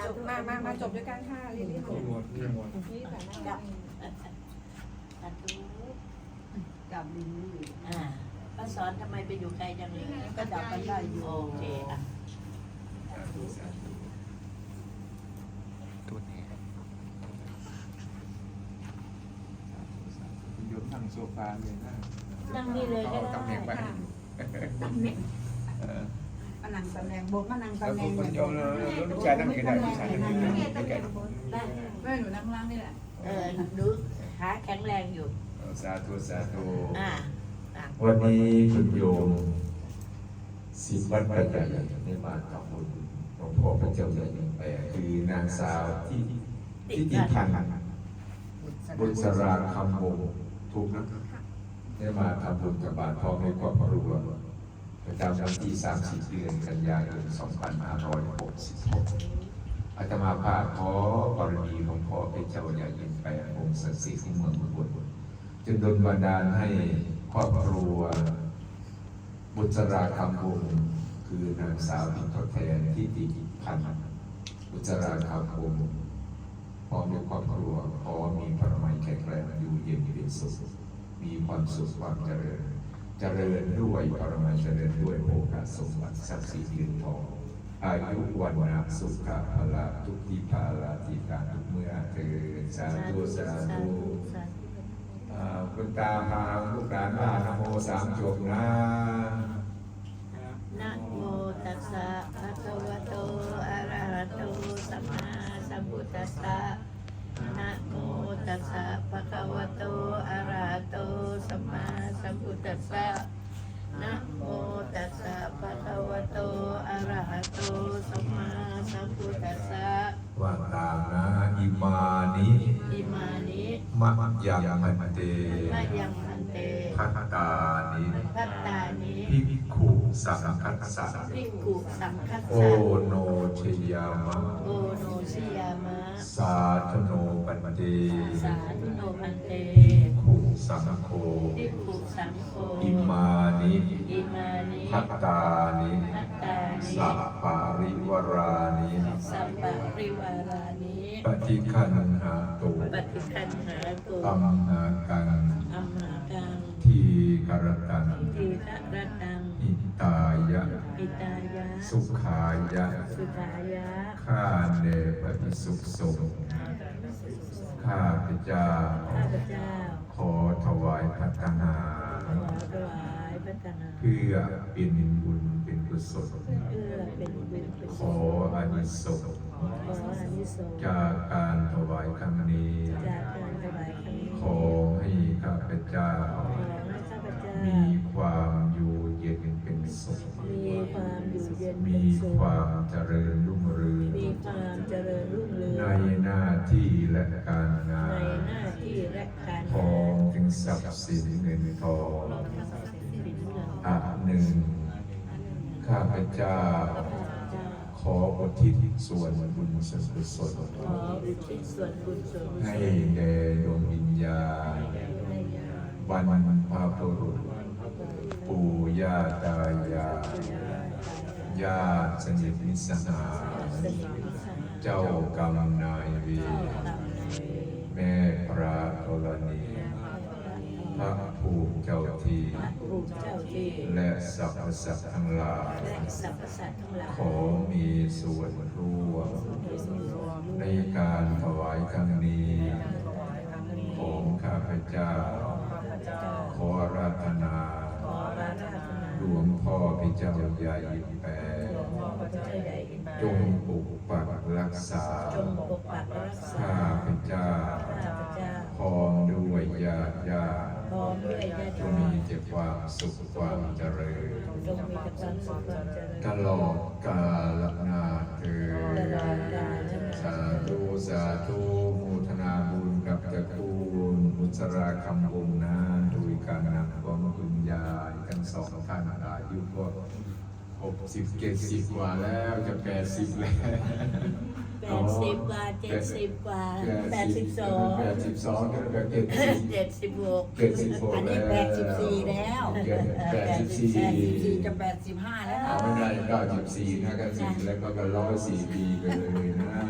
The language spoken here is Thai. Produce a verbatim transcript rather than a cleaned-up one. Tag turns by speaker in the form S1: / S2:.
S1: มามามาจบด้วยกันค่ะลิลลี่มา
S2: หมดนี่หมด
S1: นี่แต่
S3: กั
S1: น่า
S3: บตัดตู
S4: กับลิลลี่
S3: อ่าป้าสอนทำไมไปอยู่ไกลจังเลย
S4: ก็ดับกันได้อยู่
S3: โอเคอ่ะ
S5: ตัวนี้
S2: โยมนั่งโซฟาเลยนะ
S3: นั่งนี่เลยก็
S2: ตำแหน่งไป
S3: ได้
S4: ตำแหน่ง
S2: เออ
S4: มานั่งตำแหน่งบอกมานั่ง
S2: แล้ว
S4: ตำแห
S2: ค
S4: น่ง
S2: นคนโยมเราลูกชายนั่งกี่ได้ลูกชายนั่งกี่ได้ไม่แก่
S3: ได้
S4: แม่หนูนั่งล่างนี่แหละ
S3: เออดูขาแข็งแรงอยู่
S2: สาธุสาธุ
S3: อ่าอ่ะ
S6: วันนี้คุณโยมสิบวัดประจันได้มาทำบุญหลวงพ่อพระเจ้าใหญ่ยังแปลคือนางสาวที่ที่ติพันธ์บุษราคำวงศ์ถูกนะได้มาทำบุญกับบาทพ่อในครอบครัวประจำวันที่สามสิบเดือนกันยายนสองพันห้าร้อยหกสิบหกอาตมาภาพขอบารมีหลวงพ่อพระเจ้าใหญ่ยังแปลองค์ศักดิ์สิทธิ์ที่เมืองอุบลจึงดลบันดาลให้ครอบครัวบุษราคำวงศ์คือนางสาวที่ทดแทนที่ติพันธ์บุษราคำวงศ์พร้อมด้วยครอบครัวขอมีพระมัยแข็งแรงอยู่เย็นเป็นสุขมีความสุขความเจริญเจริญด้วยปรมัยเจริญด้วยโอกาสสมบัติทรัพย์สินเงินทองอายุวันนะสุขภาละทุกที่ภาละที่การทุกเมื่อเกิดสาธุสาธุ
S3: สาธุ
S6: อ่าคุณตาพาลูกหลานว่านะโมสามจบนะ
S3: นะโมตัสสะภะคะวะโตอะระหะโตสัมมาสัมพุทธัสสะนะโมตัสสะภะคะวะโตอะระหะโตสัมมาสัมพุทธัสสะนะโมตัสสะภะคะวะโตอะระหะโตสัมมาสัมพุทธัสสะ
S6: ว่าตามนะอิมานิ
S3: อิมานิ
S6: มะยังมันเต
S3: มะยังพันเต
S6: พัตตานิ
S3: พัตตานิ
S6: ภิกขุสังคัสสะ
S3: ภิกขุสังคัส
S6: โอ
S3: สะ
S6: โนชยามะ
S3: โอโนชิยามะ
S6: สาธโนปันเต
S3: สาธุโนพันเต
S6: ภิกขุสังโฆ
S3: ภิกขุสังโฆ
S6: อิมานิ
S3: อิมานิ
S6: พัตตานิ
S3: พัตตานิ
S6: สัพปาริวรานิ
S3: สัมปะริวารานิ
S6: ปฏิคันหาตุ
S3: ปฏิคันหาตุ
S6: ตัมนากัง
S3: อัมหากัง
S6: ทีกรตัง
S3: ทีฆรตัง
S6: อิตายะ
S3: อิตายะ
S6: สุขายะ
S3: สุขายะ
S6: ข้าเนปฏิสุขสงฆ์ข้าพเจ้า
S3: ข้าพเจ้า
S6: ขอถวายพัฒนา
S3: ขอถวายพัฒนา
S6: เพื่อเป็นบุญเป็นกุศล
S3: เพื่อเป็นบุญเป็น
S6: ข
S3: กุ
S6: อ
S3: ศล
S6: อานิสงส์
S3: ขออานิสงส์
S6: จากการถวายครั้งนี้
S3: จากการถวายครั้งนี้
S6: ขอให้ข้าพเจ้า
S3: ขอให้ข้าพเจ้า
S6: มีความอยู่เย็นเป็นสุข
S3: มีความอยู่เย็น
S6: มี
S3: เป็นสุข
S6: ความเจริญรุ่งเรือง
S3: มีความเจริญรุ่งเรื
S6: ใน
S3: อง
S6: หน้าที่และการงา
S3: ใน
S6: น
S3: หน้าที่และการ
S6: พร้อมถึงทรัพย์สินเงินทอง
S3: เป็นเงิน
S6: อันหนึ่ง ข้าพเจ้า
S3: ข้าพเจ้า
S6: ขออุทิศส่วนบุญส่วนกุศล
S3: ขออุทิศส่วนบุญส่วนกุศล
S6: ให้แด่ดวงวิญญาณ
S3: ให้ญาติ
S6: บรรพบุรุษปู่ย่าตายายญาติสนิทมิตรสหาย
S3: สนิทมิตรสหาย
S6: เจ้ากรรมนายเวร
S3: เจ้ากรรมนายเวร
S6: แม่พระธรณีพระภูมิเจ้าที่
S3: พระภูมิเจ้าที่
S6: และสรรพสัตว์ทั้งหลาย
S3: และสรรพสัตว์ทั้งหลาย
S6: ขอมีส่วนร่วมในการถวายครั้งนี้ของข้าพเจ้า ขออาราธนา
S3: ขอราธนา
S6: หลวงพ่อพระเจ้าใหญ่แปร
S3: หลวงพ่อพระเจ้าใหญ่อิน
S6: จงปกปักรักษา
S3: จงปกปักรักษา
S6: ข้าพเจ้า
S3: ข้าพเจ้า
S6: พร้อมด้วยญาติญาติ
S3: พร้อมด้วยญาติ
S6: จงมีแต่ความสุขความเจริญ
S3: จงมีแต่ความสุขความเจริญ
S6: ตลอดกาลนานเถิด
S3: ตลอดกาลนาน
S6: สาธุสาธุโมทนาบุญกับตระกูลบุษราคำวงศ์นะโดยการนำของคุณยายทั้งสองท่านอายุก็หกสิบเจ็ดสิบกว่าแล้วจะแปดสิบแล้ว
S3: แปดสิบกว่าเจ็ดสิบกว่าแปดสิบสอง
S6: แปดสิบสองก็แบบเจ็ดสิบ
S3: เจ็ดสิบหก
S6: เจ็ดสิบหก
S4: อัน
S6: แล้
S4: นี้
S6: ว
S4: แปดสิบสี่แล้ว
S6: แปดสิบสี่
S4: แปดสิบสี่จะแปดสิบห้าแล้ว
S6: เอาไม่ได้เก้าสิบสี่นะก็สี่แล้วก็ก็ร้อยสี่ปีกันเลยนะ